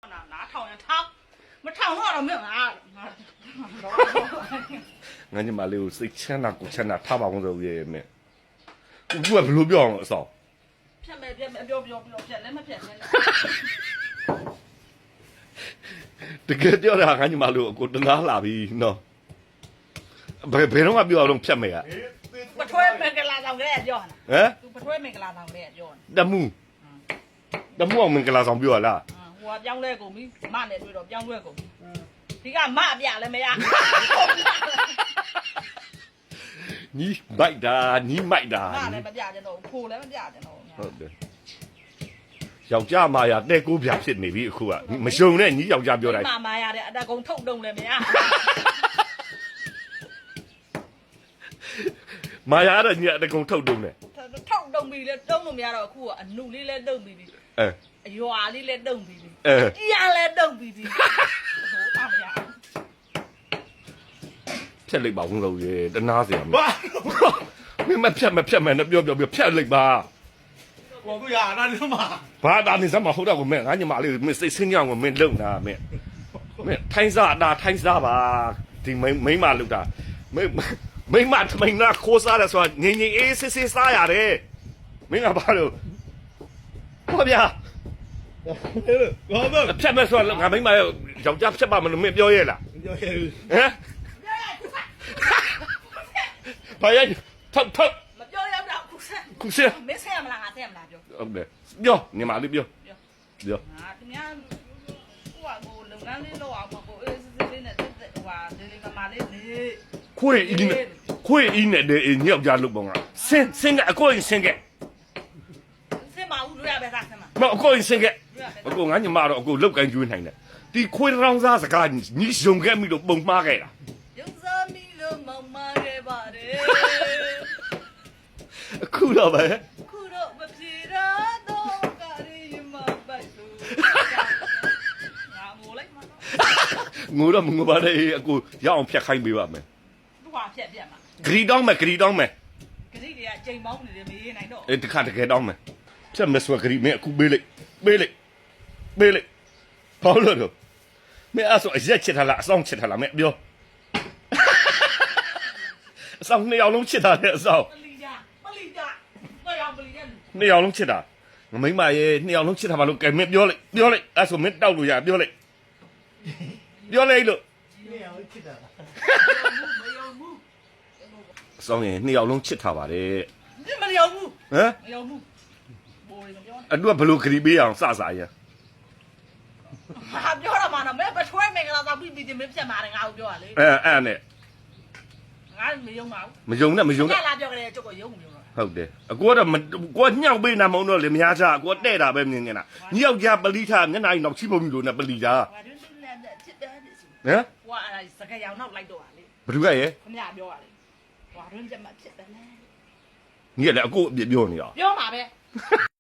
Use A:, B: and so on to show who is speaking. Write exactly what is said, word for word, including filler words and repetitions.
A: 拿掏呀掏，没掏我都没有拿。
B: 俺你妈六谁钱拿过钱拿，他把我这也没，我也不รู้ပြောအောင်အ
A: 骗没骗没不要不要不要骗，你没骗人。
B: တကယ်ပြောတာငါညီမလို့ကိုတနာလာပြီနော်ဘယ်ဘယ်တော့မှပြောအောင်ဖြတ်မယ်อ่ะ
A: 不吹没给拉上来叫呢。
B: ဟမ်
A: 不吹没给拉上来叫呢。
B: တမှုတမှုအောင်မင်္ဂလာဆောင်ပြောရလား
A: 嗯，我讲来过没，妈那对了讲来过。嗯，你看妈变了没呀？
B: ညီမိုက်တာညီမိုက်တာ
A: 妈那不变的喽，哭了不变的喽。
B: ဟုတ်တယ်ယောက်ျားမာယာတဲ့ကိုပြဖြစ်နေပြီအခုကမရှုံနဲ့ညီယောက်ျားပြောတိုင်း
A: 妈妈呀的，那公透动了没呀？
B: မာယာတော့ညီအတကုံထုတ်တုံးတယ်
A: 他透动比了，动都没了，哭啊，努力了动比的，
B: အဲ
A: ရွာလေးလည်းတုံပြီးပြီ
B: အဲ
A: အရာလည်းတုံပြီးပြီဟိုပါမရ
B: ဖြတ်လိုက်ပါဦးလို့ရေတနာเสียမှာမင်းမဖြတ်မဖြတ်မယ်နဲ့ပြောပြောပြောဖြတ်လိုက်ပါ
C: 我不呀，那你嘛？
B: ဘာသာနေစမ်းမဟုတ်တော့ဘူးမင်းငါညီမလေးမင်းစိတ်ဆင်းကြောင်ကိုမင်းလုံတာမင်းမင်းထိုင်းစားတာထိုင်းစားပါဒီမိမိမလုံတာမိမိမထမိန်နာခိုးစားတယ်ဆိုတာငင်းငင်းအေးစစ်စစ်စားရတယ်မင်းကဘာလို့ဟောဗျာ
C: 我们
B: ဖြတ်မဲ့ဆိုတော့ငါမိမယောက်ျားဖြတ်ပါမလို့မင်းပြောရဲလား
C: 要要
B: ဟမ်ဘာရထောက်ထောက်
A: မပြောရတော့ခုဆက်
B: ခုစရ
A: မဆက်မလားငါဆက်မလားပြော
B: ဟုတ်တယ်ပြောညီမလေးပြောပြော
A: ငါတများဟိုကကိုလုပ်ငန်းလေးလုပ်အောင်ကိုအေးစစ်စစ်လေးနဲ့တက်တက်ဟိုဟာဒီလေးကမာလေးနေ
B: ခွေအင်းနဲ့ခွေအင်းနဲ့တဲ့ညောက်ကြလို့ပေါ့ငါစင်စင်ကအကိုရင်စင်က
A: ဆက်မဦးလို့ရပဲသားဆက်မ
B: မအကိုရင်စင်ကအကိုငါညီမတော့အကိုလောက်ကန်ကျွေးနိုင်တယ်ဒီခွေရောင်းစားစကားညီရှုံခဲ့မိလို့ပုံမှားခဲ့တာ
A: ရုံစားမီလို့မမခဲ့ပါတယ်
B: အခုတော့ပဲ
A: ခုတော့မပြေတော့တော့ကရီမပတ်လို့ငါငိုလိုက်မှာတော့
B: ငိုတော့မငိုပါနဲ့အကိုရအောင်ဖြတ်ခိုင်းပေးပါမယ်
A: သူဟာဖြက်ပြက်မှာ
B: ဂရီတောင်းမယ်ဂရီတောင်းမယ်
A: ကလေးတွေကချိန်ပေါင်းနေတယ်မရေးနိုင်တော့
B: အေးတခါတကယ်တောင်းမယ်ဖြတ်မစွာဂရီမင်းအခုပေးလိုက်ပေးလိုက်ပေးလိုက်ဘာလို့လဲမင်းအဲ့ဆိုအရက်ချစ်ထားလားအဆောင်ချစ်ထားလားမင်းပြောအဆောင်နှစ်ယောက်လုံးချစ်ထားတဲ့အဆောင်
A: ပလီကြပလီကြတော့ရောပလီကြ
B: နှစ်ယောက်လုံးချစ်တာငမိမရဲ့နှစ်ယောက်လုံးချစ်တာဘာလို့ကဲမင်းပြောလိုက်ပြောလိုက်အဲ့ဆိုမင်းတောက်လို့ရပြောလိုက်ပြောလိုက်လို့
C: 没有去的。
A: မယုံဘူး
B: အဆောင်ရင်နှစ်ယောက်လုံးချစ်ထားပါတယ်
A: ဒီမယုံဘူး
B: ဟမ်
A: မယုံဘူးဘိုးလေးမပြောနဲ့
B: အတူကဘလို့ခရီးပေးအောင်စစရ
A: ဟာပြောရမှာနော်မဲပထွဲမင်္ဂလာသာပြီးပြီးမင်းပြတ်มาတယ်ငါ့ကိုပြောရလေ
B: အဲအဲ့နဲ့
A: ငါမယုံပါဘူး
B: မယုံနဲ့မယုံ
A: ငါ
B: နဲ့
A: လာပြောကြတယ်ကျုပ်ကယုံမယုံတော့
B: ဟုတ်တယ်အကိုကတော့ကိုကညှောက်ပေးနာမုံတော့လေမရချအကိုတဲ့တာပဲမြင်နေတာညယောက်ျားပလိထားမျက်နှာကြီးတော့ချိပုံပြီလို့နဲ့ပလိထား
A: ငါတို့လည်းချစ်တယ်ဒီစီ
B: ဟမ်
A: ဟိုအဲ့စကရောင်နောက်လိုက်တော့လေ
B: ဘသူကရဲ့
A: ခမရပြောရလေဟိုတွင်းပြတ်မှာချစ်တယ်လေ
B: ညီကလည်းအကိုအပြစ်ပြောနေတာ
A: ပြောမှာပဲ